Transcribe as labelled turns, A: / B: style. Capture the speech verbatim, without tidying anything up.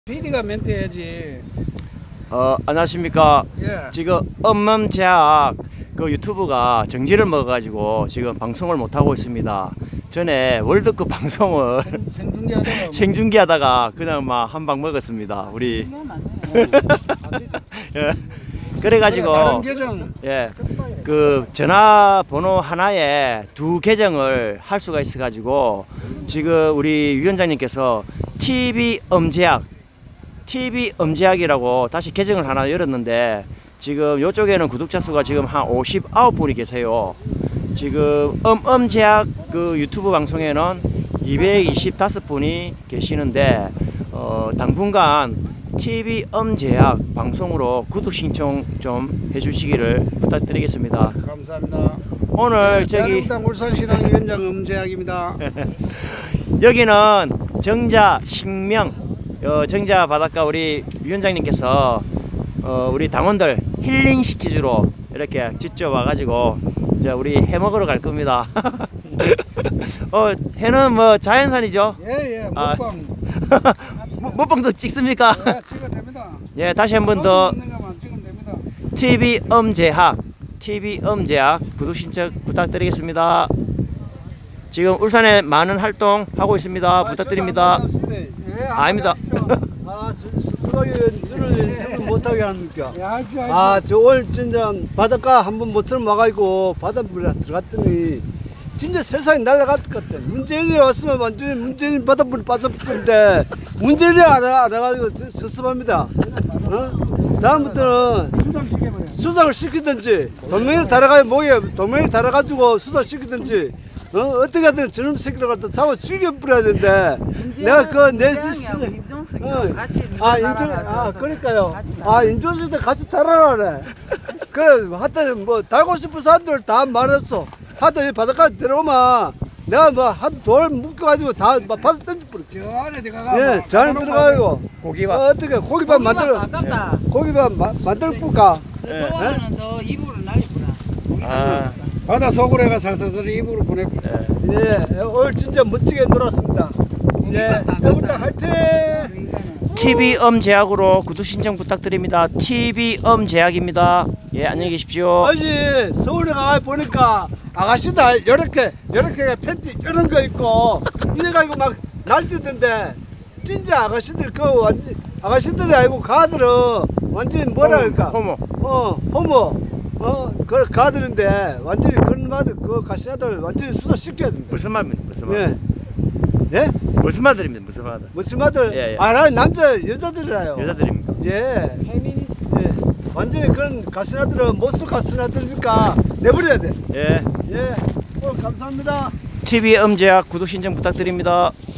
A: 피디가 멘트 해야지.
B: 어, 안녕하십니까.
A: 예.
B: 지금 엄멈제약 그 유튜브가 정지를 먹어가지고 지금 방송을 못하고 있습니다. 전에 월드컵 방송을
A: 생, 생중계하다가 뭐
B: 생중계하다가 그냥 막 한 방 먹었습니다. 우리. 예. 그래가지고
A: 다른 계정
B: 예, 그 전화번호 하나에 두 계정을 할 수가 있어가지고 지금 우리 위원장님께서 티비 엄제약 티비 엄제약이라고 다시 계정을 하나 열었는데 지금 이쪽에는 구독자 수가 지금 한 오십구 분이 계세요. 지금 엄엄제약 그 유튜브 방송에는 이백이십오 분이 계시는데 어, 당분간 티비 엄제약 방송으로 구독 신청 좀 해주시기를 부탁드리겠습니다.
A: 감사합니다.
B: 오늘 저기
A: 대한민당 울산시당 위원장 엄제약입니다.
B: 여기는 정자 식명 어, 정자 바닷가 우리 위원장님께서 어, 우리 당원들 힐링 시키주로 이렇게 직접 와가지고 이제 우리 해 먹으러 갈 겁니다. 어, 해는 뭐 자연산이죠?
A: 예예
B: 아.
A: 먹방.
B: 먹방도 찍습니까?
A: 예, 찍어도 됩니다.
B: 예, 다시 한 번 더
A: 먹는 것만 찍으면 됩니다.
B: 티비 엄제약 티비 엄제약 구독 신청 부탁드리겠습니다. 지금 울산에 많은 활동 하고 있습니다. 부탁드립니다.
A: 예,
B: 아닙니다.
C: 아, 수박이 저를 저를 못하게 합니까?
A: 예, 하십시오.
C: 아, 저 오늘 진짜 바닷가 한번 모처럼 와가지고 바닷물에 들어갔더니 진짜 세상이 날아갈 것 같아. 문재인이 왔으면 완전히 문재인 바닷물에 빠졌을 건데 문재인이 알아, 알아가지고 섭섭합니다. 어? 다음부터는
A: 수장 시켜버려.
C: 수상을 시키든지 도명이 달아가 목에 도명이 달아가지고 수상 시키든지 어 어떻게든 저놈 새끼를 갖다 잡아 죽여 뿌려야 되는데 내가 그내
D: 임종석이랑 같이
C: 아 인조 아 그러니까요 아 인조석도 같이 달아라래 그래 하여튼 뭐 달고 싶은 사람들 다 말했어 하여튼 이 바닷가 들어오면 내가 뭐 하도 돌 묶어가지고 다 바다 던져 뿌려
A: 저 안에 들어가.
C: 예 저 안에 들어가고
B: 고기밥
C: 어, 어떻게 고기밥 만들어
D: 아깝다.
C: 고기밥 마, 만들어 볼까
D: 저 좋아하는 저 이불을 날리구나.
B: 아,
A: 바다 속으로 해가 살살살 입으로 보내.
C: 예 오늘 진짜 멋지게 놀았습니다 예 여기다 화이팅
B: 티비 엄제약으로 구독 신청 부탁드립니다. 티비 엄제약입니다. 예, 안녕히 계십시오.
C: 아니 서울에 가 보니까 아가씨들 이렇게 이렇게 팬티 이런 거 입고 이래가지고 막 날뛰던데 진짜 아가씨들 그 완전 아가씨들이 아니고 가들은 완전 뭐라 그럴까
B: 호모.
C: 어 호모 어그 가들인데 완전히 그런 말들 그 가시나들 완전히 수사 시켜야 된다.
B: 무슨 말입니까? 무슨 말?
C: 예 예?
B: 무슨 말들입니다. 무슨 말?
C: 무슨 말들
B: 예, 예.
C: 아 나 남자 여자들이라요.
B: 여자들입니까?
C: 예. 예. 완전히 그런 가시나들은 못수 가시나들이니까 내버려야 돼.
B: 예.
C: 예. 오늘 감사합니다.
B: 티비 엄제약 구독 신청 부탁드립니다.